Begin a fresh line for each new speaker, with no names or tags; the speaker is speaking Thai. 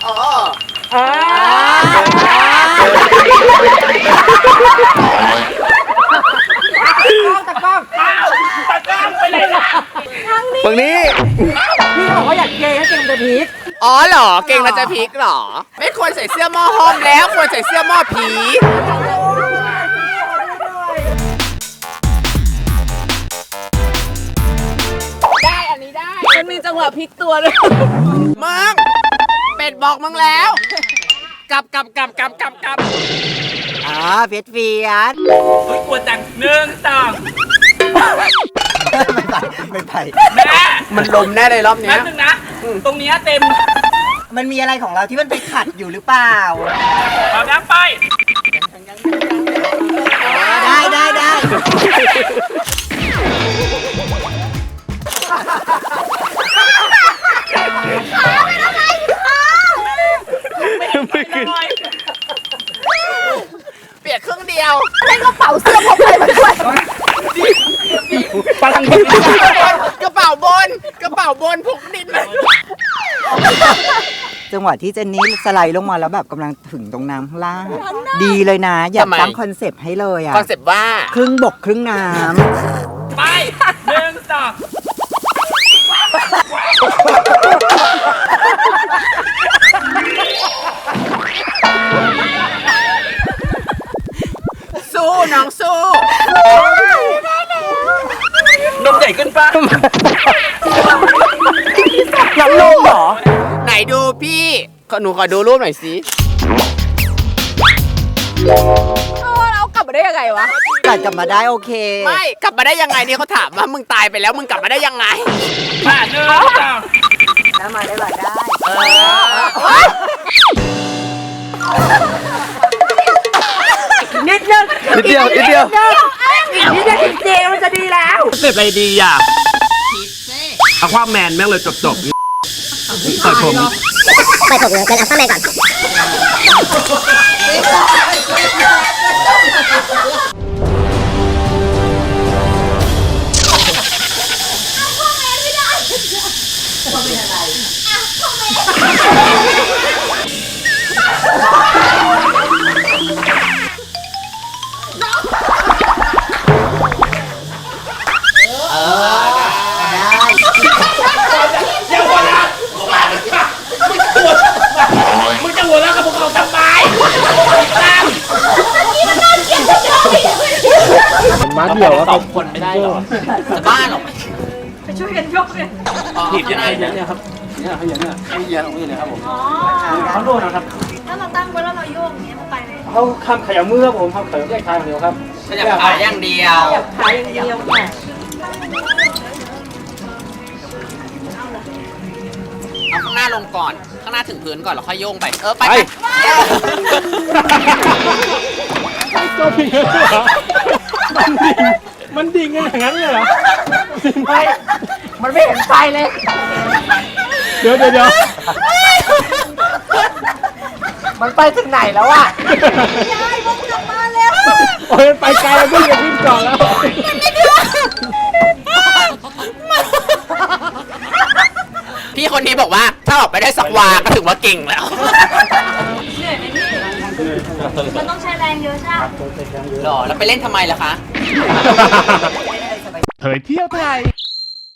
ตะกล้องไปเลยนะ
ฝั่งนี้
พี่บอกว่าอยากเกย์ให้เก่งจะพีค
อ๋อเหรอเก่งแล้วจะพลิกเหรอไม่ควรใส่เสื้อหม้อห้อมแล้วควรใส่เสื้อหม้อผีได้อันนี้ได้มันมีจังหวะพลิกตัวเลยมึงเป็ดบอกมึงแล้วกลับ
เฟียดเฟียด
เฮ้ยกลัวจัง1 2
ไม่ไป
แม่
มันลมแน่เลยรอบเนี้
แป๊
ย
บนึงนะ ตรงเนี้ยเต็ม
มันมีอะไรของเราที่มันไปขัดอยู่หรือเปล่า
เอาน้ำไป
ได้
ไม่ขึ้น
เปียกครึ่งเดียว
ให้กระเป๋าเสื้อพกอะไรมาด้วย
ปลังดิน
กระเป๋าบนพกดินมา
จังหวะที่เจนนี่สไลด์ลงมาแล้วแบบกำลังถึงตรงน้ำข้างล่าง ดีเลยนะ อยากตั้งคอนเซปต์ให้เลยอ่ะ
คอนเซ็ปต์ว่า
ครึ่งบกครึ่งน้
ไป1 2
สู้น้องสู้
นมใหญ่ขึ้นปะ
ำยังลงเหรอ
ไหนดูพี่หนูขอดูรูปหน่อยสิ
เรากลับมาได้ยังไงวะ
กัดกลับมาได้โอเค
ไม่กลับมาได้ยังไงเนี่ยเขาถามว่ามึงตายไปแล้วมึงกลับมาได้ยังไง
มา1 2
น้ำมาได้หลายได้
นิดเดียว
จริงๆมันจะดีแล้ว
เสร็จอะไรดีอ่ะเอาความแมนแม่งเลยจบตัดผม
ไปผมเลยเป็นอัลฟาแมนก่อน
อย่าหัวเราะมึงจะหัวเราะกับพวกเขาทำไมมาเดี่ยวแล้ว2 คนไม่ได้หรอ
จะบ้าหรอ
ถีบยังไงเนี่ยครับเนี่ยเขาอย่างเนี้ยให้เยอะตรงนี้เลยครับผมเขาโดนนะครับ
ถ้าเราตั้งไว้แล้วเราโยกอย่างเงี้ยมันไปเลย
เขาข้ามขยับมือครับผมข้ามขยับแยกทางเดียวครับ
ขยับขาอย่างเดียว
ขายอย่างเดียวค่ะ
เอาข้างหน้าลงก่อน ข้างหน้าถึงพื้นก่อนแล้วค่อยโยงไป ไป
ก็ดิ่งเหรอมันดิ่งอย่างนั้นเลยเหรอไม่มันไม่เห็นไฟเลย เดี๋ยว
มันไปถึงไหนแล้วอ่ะ
ยายผมกลับมาแล้ว
โอ้ยไปไกลแล้วก็อย่าขึ้นก่อนแล้ว
พี่คนนี้บอกว่าถ้าออกไปได้สักวาก็ถือว่าเก่งแล้ว
เหนื่อยไหมพี่ มันต้องใช้แรงเยอะใช่ไหม
หรอ แล้วไปเล่นทำไมล่ะคะ
เผยเที่ยวไทย